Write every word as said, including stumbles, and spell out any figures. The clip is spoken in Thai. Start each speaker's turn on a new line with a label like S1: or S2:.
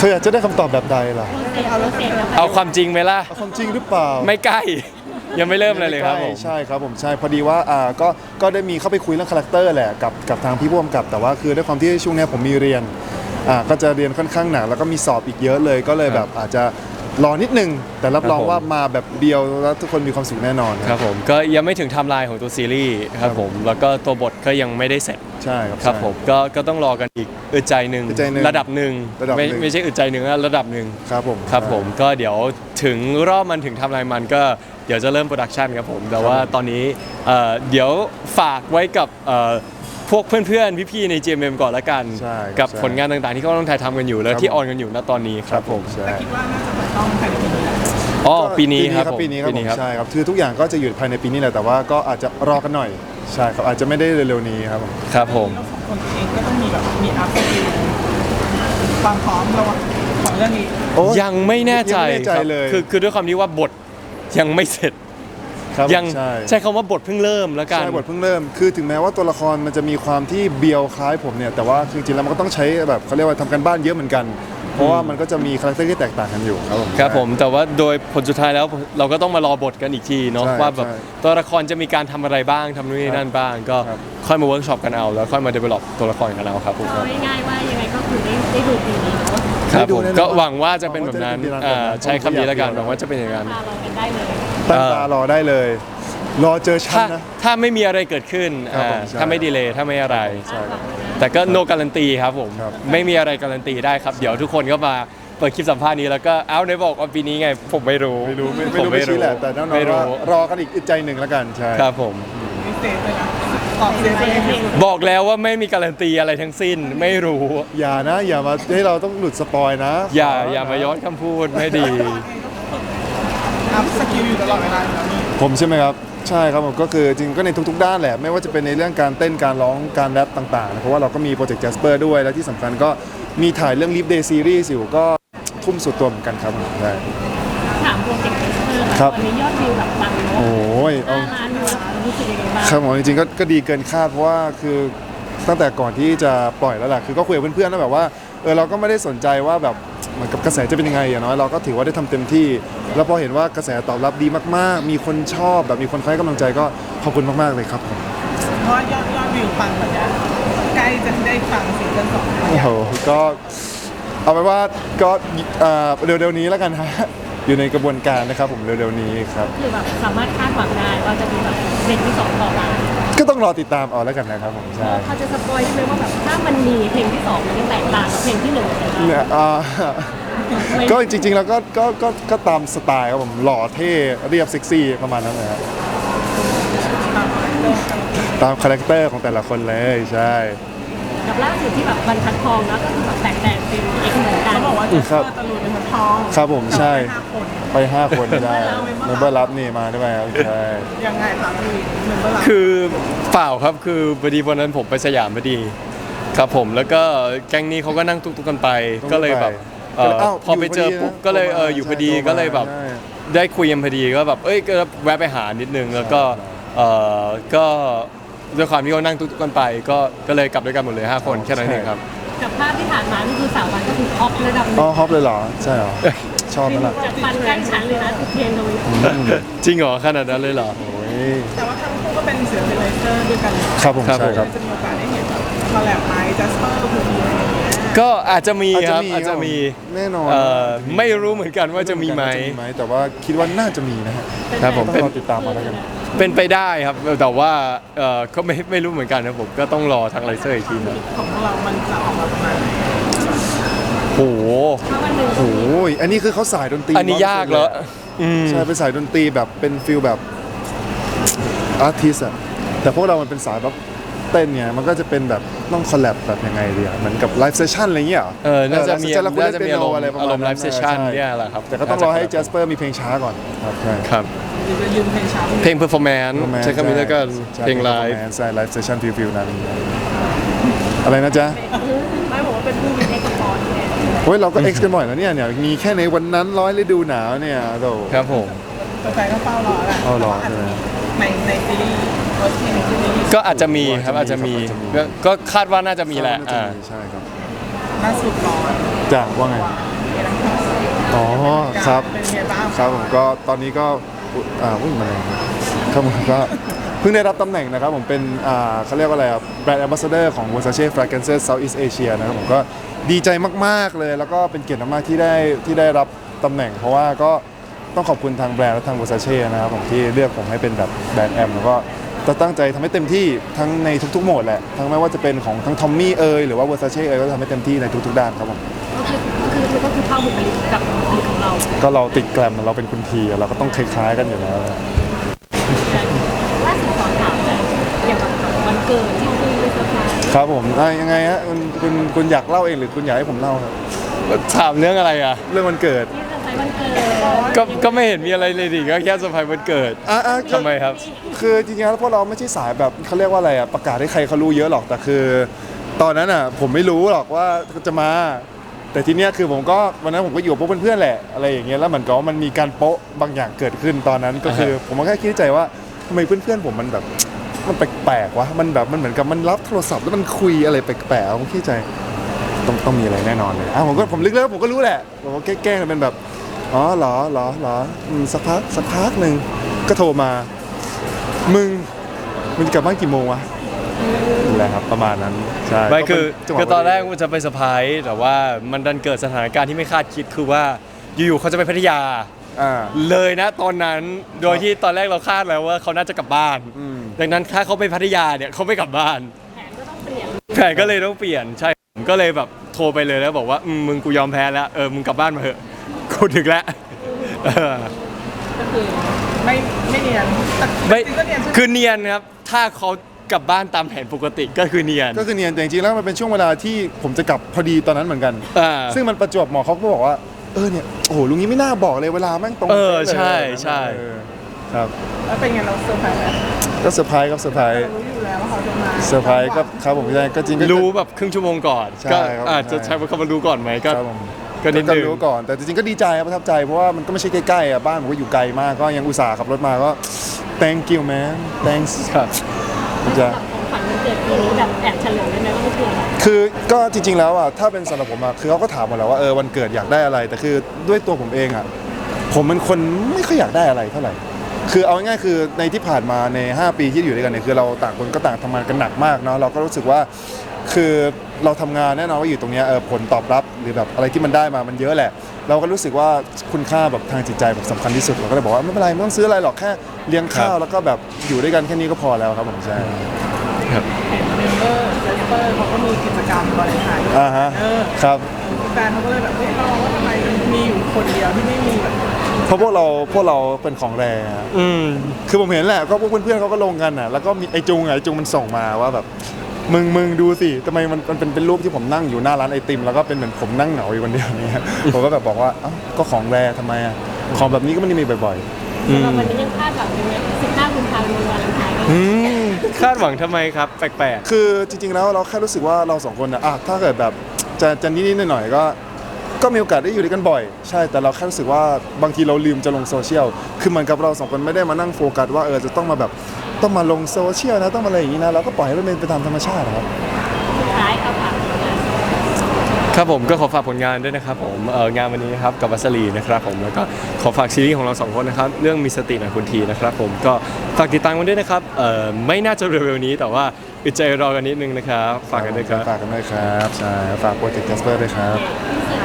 S1: ออยากจะได้คำตอบแบบใดล่ะ
S2: เอาความจริงไหมล่ะ
S1: เอาความจริงหรือเปล่า
S2: ไม่ใกล้ยังไม่เริ่มเลยเลยครับผม
S1: ใช่ครับผมใช่พอดีว่าอ่าก็ก็ได้มีเข้าไปคุยเรื่องคาแรคเตอร์แหละกับกับทางพี่ผู้กำกับแต่ว่าคือด้วยความที่ช่วงนี้ผมมีเรียนอ่าก็จะเรียนค่อนข้างหนักแล้วก็มีสอบอีกเยอะเลยก็เลยแบบอาจจะรอนิดนึงแต่รับรองว่ามาแบบเดียวแล้วทุกคนมีความสุขแน่นอน
S2: ครับผมก็ยังไม่ถึงไทม์ไลน์ของตัวซีรีส์ครับผมแล้วก็ตัวบทก็ยังไม่ได้เสร็จ
S1: ใช่ครับ
S2: ครับผมก็ก็ต้องรอกันอีกอึดใจหนึ่งระดับหนึ่งไม่ไม่ใช่อึดใจหนึ่งระดับหนึ่ง
S1: ครับผม
S2: ครับผมก็เดี๋ยวถึงรอบมันถึงไทม์ไลน์มันก็เดี๋ยวจะเริ่มโปรดักชันครับผมแต่ว่าตอนนี้เดี๋ยวฝากไว้กับพวกเพื่อนๆพี่ๆใน จี เอ็ม เอ็ม ก่อนละกันกับผลงานต่างๆที่เขาต้องถ่ายทำกันอยู่แล้วที่ออนกันอยู่ณตอนนี้ครับผม
S3: แต่คิดว่าน่าจะเปิดกล้องภายในปีนี้
S2: อ๋อปีนี้ครับ
S1: ปีนี้ครับใช่ครับคือทุกอย่างก็จะอยู่ภายในปีนี้แหละแต่ว่าก็อาจจะรอกันหน่อยใช่ครับอาจจะไม่ได้เร็วๆนี้ครับผม
S2: ครับผม
S3: เราสองคนเองก็ต้องมีแบบมีอัพสกิลความพร้อมเราของเรื่องนี้
S2: ยังไม่แน่ใจครับคือคือด้วยความที่ว่าบทยังไม่เสร็จยังใช้คำว่าบทเพิ่งเริ่มแล้วกัน
S1: ใช่บทเพิ่งเริ่มคือถึงแม้ว่าตัวละครมันจะมีความที่เบียวคล้ายผมเนี่ยแต่ว่าจริงๆแล้วมันก็ต้องใช้แบบเขาเรียกว่าทำกันบ้านเยอะเหมือนกันเพราะว่ามันก็จะมีคาแรคเตอร์ที่แตกต่างกันอยู่ครับผม
S2: ครับผมแต่ว่าโดยผลสุดท้ายแล้วเราก็ต้องมารอบทกันอีกทีเนาะว่าแบบตัวละครจะมีการทำอะไรบ้างทำนู่นนี่นั่นบ้างก็ค่อยมาเวิร์กช็อปกันเอาแล้วค่อยมาเดเวล็อปตัวละครกันเอาครับผม
S4: ง่ายๆว่ายังไงก็คือได้ได้ดูปีนี้เนาะ
S2: ครับผมก็หวังว่าจะเป็นแบบนั้นใช้คำนี้แล้วกันหวังว่าจะเป็นอย่างนั้น
S4: รอกันได้เลย
S1: ตั้งตารอได้เลยรอเจอฉันนะ
S2: ถ้าไม่มีอะไรเกิดขึ้นถ้าไม่ดีเลยถ้าไม่อะไรแต่ก็ no การันตีครับผมไม่มีอะไรการันตีได้ครับเดี๋ยวทุกคนก็มาเปิดคลิปสัมภาษณ์นี้แล้วก็เอ้าในบอกว่าปีนี้ไงผมไม่รู้
S1: ไม่รู้ไม่รู้ไม่ชี้แหละแต่แน่นอนว่ารอกันอีกใจหนึ่งแล้วกันใช่
S2: ครับผมบอกแล้วว่าไม่มีการันตีอะไรทั้งสิ้นไม่รู้
S1: อย่านะอย่ามาให้เราต้องหลุดสปอยนะ
S2: อย่าอย่ามาย้อนคำพูดไม่ดี
S3: อัพสกิลอยู่ตลอดเวลา
S1: ผมใช่ไหมครับใช่ครับผมก็คือจริงก็ในทุกๆด้านแหละไม่ว่าจะเป็นในเรื่องการเต้นการร้องการแรปต่างๆเพราะว่าเราก็มีโปรเจกต์ Jasper ด้วยและที่สำคัญก็มีถ่ายเรื่อง Live Day Series อยู่ก็ทุ่มสุดตัวเหมือนกันครับใช่
S4: ถามโปรเจกต์ Jasper ตอนนี้ยอดวิวแบบปังเนาะ
S1: โอ้ย
S4: เอาล้านวิวรู้สึกยังไงบ้าง
S1: ครับผมจริงๆก็ก็ดีเกินคาดเพราะว่าคือตั้งแต่ก่อนที่จะปล่อยแล้วแหละคือก็คุยกับเพื่อนๆแล้วแบบว่าเออเราก็ไม่ได้สนใจว่าแบบเหมือนกับกระแสจะเป็นยังไงอย่างน้อยเราก็ถือว่าได้ทำเต็มที่แล้วพอเห็นว่ากระแสตอบรับดีมากๆมีคนชอบแบบมีคนให้กำลังใจก็ขอบคุณมากๆเลยครับผม
S3: เพราะยอดยอดวิวปังแบบนี้ใกล้จะได้ฟังซิงเกิลสอง
S1: โอ้โหก็เอาไปว่าก็เร็วๆนี้แล้วกันฮะอยู่ในกระบวนการนะครับผมเร็วๆนี้ครับ
S4: คือแบบสามารถคาดหวังได้ว่าจะมีแบบเพลงที่สองต่อมา
S1: ก็ต้องรอติดตามเอาแล้วกันนะครับผมใช่
S4: เขาจะสปอยใช่ไหมว่าแบบถ้ามันมีเพลงที่สองมันจะแตกต่างกับเพลงที่หนึ่ง
S1: เนี่ยก็จริงๆแล้วก็ก็ก็ก็ตามสไตล์ครับผมหล่อเท่เรียบเซ็กซี่ประมาณนั้นเลยครับตามคาแรคเตอร์ของแต่ละคนเลยใช่
S4: กับล่าสุดที่แบบบรรทัดทองแล้วก็คือแบบแตกแตกเป็นเอกเหมือนกัน
S3: เขาบอกว่าจะเปิดตะลุยเป็นบรรทัดทอง
S1: ครับผมใช่ไปห้าคนได้เมมเบอร์รับนี่มาได้ไหมครับใช่
S3: ยังไงครับพี่เมมเบอร์รับ
S2: คือเปล่าครับคือพอดีวันนั้นผมไปสยามพอดีครับผมแล้วก็แก๊งนี้เขาก็นั่งตุ๊กๆกันไปก็เลยแบบพอไปเจอปุ๊บก็เลยเอออยู่พอดีก็เลยแบบได้คุยกันพอดีก็แบบเอ้ยก็แวะไปหานิดนึงแล้วก็เออก็ด้วยความที่เขานั่งตุ๊กๆกันไปก็ก็เลยกลับด้วยกันหมดเลยห้าคนแค่นั้นเองครับ
S4: กับภาพที่ผ่านมานี่คือสาววันก็คือฮอประดับ
S1: อ๋อฮอปเลยเหรอใช่เหรอชอบไหมล่ะ
S4: จากฟันกันฉันเลยนะทุกเพลงเลย
S2: จริงเหรอขนาดนั้นเลยเหรอ
S3: แต่ว่าทั้งคู่ก็เป็นศิลปินไลเซอร์ด้วยกัน
S1: ครับผมใช่ครับ
S3: จะมีโอกาสได้เห็นคอลแลบไหมจัสเปอร์คือมีอะไรอย่างเงี้ย
S2: ก็อาจจะมีครับอาจจะมี
S1: แน่นอน
S2: ไม่รู้เหมือนกันว่าจะมีไหม
S1: แต่ว่าคิดว่าน่าจะมีนะฮะ
S2: ครับผม
S1: เป็นติดตามมาแล้วกัน
S2: เป็นไปได้ครับแต่ว่าเออก็ไม่ไม่รู้เหมือนกันนะผมก็ต้องรอทางไลเซอร์อีกทีนึง
S3: ของเรามันจะออกมาประมาณไหน
S2: โอ้โห
S1: โอ้โหอันนี้คือเขาสายดนตรี
S2: อันนี้ยากแล้ว
S1: ใช่เป็นสายดนตรีแบบเป็นฟิลแบบอาร์ติสต์อะแต่พวกเรามันเป็นสายแบบเต้นเนี่ยมันก็จะเป็นแบบต้องคอลแลบแบบยังไงดีอะเหมือนกับไลฟ์เซสชั่นอะไรเงี้ย
S2: เออน่าจะมีน่าจะมีอารมณ์อารมณ์ไลฟ์เซสชั่นเนี่ยแหละครับ
S1: แต่ก็ต้องรอให้ Jasper มีเพลงช้าก่อนครับใช่
S2: ครับ
S3: จะยืมเพลงช้า
S2: เพลงเพอร์ฟอร์แมนซ์ใช้คำนี้แล้วก็เพลงไลฟ์
S1: ใช่ไลฟ์เซสชั่นฟิวๆนั้นอะไรนะจ๊ะ
S4: ไม่บอกว่าเป็นผู้มีเอ็กซ์พอร์ตเนี่ย
S1: เฮ้ยเราก็เอ็กซ์กันบ่อยแล้วเนี่ยเนี่ยมีแค่ในวันนั้นร้อยฤดูหนาวเนี่ยโธ่
S2: ครับผม
S3: แฟนก็เฝ้ารอแหละ
S1: เฝ้ารอใช่ไหม
S3: ในในซีรีส์เวอร์ชันในซีรีส์
S2: ก็อาจจะมีครับอาจจะมีก็คาดว่าน่าจะมีแหละ
S1: อ่าใช่ครับ
S3: ล่าสุดร้อน
S1: จ้ะว่าไงอ๋อครับ
S3: เป็นไงบ้าง
S1: ครับผมก็ตอนนี้ก็อุ๊ยอ่าวิ่งมาเลยครับผมก็เพิ่งได้รับตำแหน่งนะครับผมเป็นอ่าเขาเรียกว่าอะไรครับแบรนด์แอมบาสเดอร์ของ Versace Fragrances Southeast Asia นะครับผมก็ดีใจมากๆเลย แล้วก็เป็นเกียรติมากๆที่ได้ที่ได้รับตำแหน่ง เพราะว่าก็ต้องขอบคุณทางแบรนด์และทาง Versace นะครับผมที่เลือกผมให้เป็นแบบแบรนด์แอมแล้วก็จะตั้งใจทำให้เต็มที่ทั้งในทุกๆโหมดแหละทั้งไม่ว่าจะเป็นของทั้งทอมมี่เอยหรือว่า Versace เอยก็ทำให้เต็มที่ในทุกๆด้านครับผม
S4: ก็คือคือคือก็คือเข้าบุคลิกกับบุคลิกของเรา
S1: ก็เราติดแกรมเราเป็นคุณทีเราก็ต้องคล้ายๆกันอยู่แล้ว
S4: ล่าสุดขอถามเลยเกี่ยวกับวันเกิดที่คุยไปเซอร์ไพรส์
S1: ครับผมอ่ะยังไงฮะคุณคุณคุณอยากเล่าเองหรือคุณอยากให้ผมเล่าครับ
S2: ถามเรื่องอะไรอ่ะ
S1: เรื่องวันเกิด
S4: ที่เซอร์ไพรส์วันเกิด
S2: ก็ก็ไม่เห็นมีอะไรเลยดิก็แค่เซอร์ไพรส์วันเกิด
S1: อ่ะอ่ะ
S2: ทำไมครับ
S1: คือจริงๆแล้วพวกเราไม่ใช่สายแบบเขาเรียกว่าอะไรอ่ะประกาศให้ใครเขารู้เยอะหรอกแต่คือ ตอนนั้นอ่ะผมไม่รู้หรอกว่าจะมา แต่ทีเนี้ยคือผมก็วันนั้นผมก็อยู่กับพวกเพื่อนๆแหละอะไรอย่างเงี้ยแล้วมันก็มันมีการโป๊ะบางอย่างเกิดขึ้นตอนนั้นก็คือ ผมก็แค่คิดในใจว่าทำไมเพื่อนๆผมมันแบบมันแปลกๆวะมันแบบมันเหมือนกับมันรับโทรศัพท์แล้วมันคุยอะไรแปลกๆผมคิดในใจต้องต้องมีอะไรแน่นอนเลยอ่ะผมก็ผมลึกแล้วผมก็รู้แหละผมก็แกล้งๆเป็นแบบอ๋อเหรอเหรอเหรออืมสักพักสักพักหนึ่งก็โทรมา มึงมึงจะกลับบ้านกี่โมงวะนี่แหละครับประมาณนั้นใช่
S2: ไม่คือ
S1: จังหวะ
S2: คือตอนแรกมันจะไปเซอร์ไพรส์แต่ว่ามันดันเกิดสถานการณ์ที่ไม่คาดคิดคือว่าอยู่ๆเขาจะไปพัทยา
S1: อ่า
S2: เลยนะตอนนั้นโดยที่ตอนแรกเราคาดแล้วว่าเขาน่าจะกลับบ้าน
S1: อืม
S2: ดังนั้นถ้าเขาไปพัทยาเนี่ยเขาไม่กลับบ้าน
S4: แผนก็ต้องเปลี่ยน
S2: แผนก็เลยต้องเปลี่ยนใช่ผมก็เลยแบบโทรไปเลยแล้วบอกว่าอืมมึงกูยอมแพ้แล้วเออมึงกลับบ้านมาเถอะกูถึงแล้วเออ
S3: ก็คือไม่ไม่เนียนแต่
S2: ไม่
S3: จริงๆก็เนียนใช่ไหม
S2: คือเนียนครับถ้าเขากลับบ้านตามแผนปกติก็คือเนียน
S1: ก็คือเนียนแต่จริงๆแล้วมันเป็นช่วงเวลาที่ผมจะกลับพอดีตอนนั้นเหมือนกัน
S2: อ่า
S1: ซึ่งมันประจวบเหมาะเขาก็บอกว่าเออเนี่ยโอ้โหลุงนี้ไม่น่าบอกเลยเวลาแม่งตรง
S2: เออ
S1: ป๊ะลย
S2: ใช่ใช่
S1: เออครับ
S3: แล้วเป็นไงเราเซอร์ไพรส์ไหม
S1: ก็เซอร์ไพรส์ครับเซอร์ไพรส์
S3: เรารู้อยู่แล้วว่าเขาจะมา
S1: เซอร์ไพรส์ก็ครับผมใช่ก็จริงก็
S2: รู้แบบครึ่งชั่วโมงก่อน
S1: ใช่
S2: ก็
S1: ครับ
S2: อาจจะ
S1: ใช่
S2: ใช้คำว่ารู้ก่อนไหมก็
S1: ครับผม
S2: ก็นิด
S1: ก็
S2: นึง
S1: รู้ก่อนแต่จริงๆก็ดีใจครับประทับใจเพราะว่ามันก็ไม่ใช่ใกล้ๆอ่ะบ้านผมก็อยู่ไกลมากก็ยังอุตส่าห์ขับรถมาก็ thank you man thanks
S2: ครับ
S1: จะ
S4: ของขวัญวันเกิดปีนี้แบบแอบเฉลยได้ไหมว่ามันคืออะไร
S1: คือก็จริงๆแล้วอ่ะถ้าเป็นสำหรับผมอ่ะคือเขาก็ถามหมดแล้วว่าเออวันเกิดอยากได้อะไร แต่คือด้วยตัวผมเองอ่ะผมเป็นคนไม่ค่อยอยากได้อะไรเท่าไหร่คือเอาง่ายๆคือในที่ผ่านมาในห้าปีที่อยู่ด้วยกันเนี่ยคือเราต่างคนก็ต่างทำงานกันหนักมากเนาะเราก็รู้สึกว่าคือเราทำงานแน่นอนว่าอยู่ตรงเนี้ยเออผลตอบรับหรือแบบอะไรที่มันได้มามันเยอะแหละ เราก็รู้สึกว่าคุณค่าแบบทางจิตใจแบบสำคัญที่สุดเราก็เลยบอกว่าไม่เป็นไรไม่ต้องซื้ออะไรหรอกแค่เลี้ยงข้าวแล้วก็แบบอยู่ด้วยกันแค่นี้ก็พอแล้วครับผมใช่
S3: เห็นเมมเบอร์เจสเปอร์เขาก็มีกิจกรรมวาเลนไทน์ด้วย
S1: อ่าฮะ
S3: เออ
S1: ครับ
S3: แฟนเขาก็เลยแบบเฮ้ยเราว่าทำไมมีอยู่คนเดียวที่ไม่มีแบบ
S1: เพราะพวกเราพวกเราเป็นของแรง
S2: อืม
S1: คือผมเห็นแหละก็พวกเพื่อนๆเขาก็ลงกันอ่ะแล้วก็มีไอจุงอ่ะไอจุงมันส่งมาว่าแบบมึงมึงดูสิทำไมมันมันเป็นเป็นรูปที่ผมนั่งอยู่หน้าร้านไอติมแล้วก็เป็นเหมือนผมนั่งเหงาอยู่คนเดียวเนี่ยผมก็แบบบอกว่าเอ้าก็ของแรทำไมอ่ะของแบบนี้ก็ไม่ได้มีบ่อย
S2: อืม
S4: สำหรับวันนี้ยังคาดหวังอยู่ไหมสิบห้ากุมภาพันธ์วันวาเลนไทน์
S1: ๆอืม
S2: คาดหวังทำไมครับ แปลก
S1: คือจริงๆแล้วเราแค่รู้สึกว่าเราสองคนนะอ่ะถ้าเกิดแบบจะจะนิดๆหน่อยๆก็ก็มีโอกาสได้อยู่ด้วยกันบ่อยใช่แต่เราแค่รู้สึกว่าบางทีเราลืมจะลงโซเชียลคือเหมือนกับเราสองคนไม่ได้มานั่งโฟกัสว่าเออจะต้องมาแบบต้องมาลงโซเชียลนะต้องมาอะไรอย่างนี้นะเราก็ปล่อยให้มันเป็นไปตามธรรมชาตินะครับ
S4: สุดท้ายเอาผ่านผลงาน
S2: ๆครับผมก็ขอฝากผลงานด้วยนะครับผมเอองานวันนี้นะครับกับวัสลีนะครับผมแล้วก็ขอฝากซีรีส์ของเราสองคนนะครับเรื่องมีสติหน่อยคุณทีนะครับผมก็ฝากติดตามกันด้วยนะครับเออไม่น่าจะเร็วๆนี้แต่ว่าอึดใจรอกันนิดนึงนะครับฝากกันด้วยครับ
S1: ฝากกันด้วยครับใช่ฝากโปรเจกต์แคสเปอร์ด้วยครับ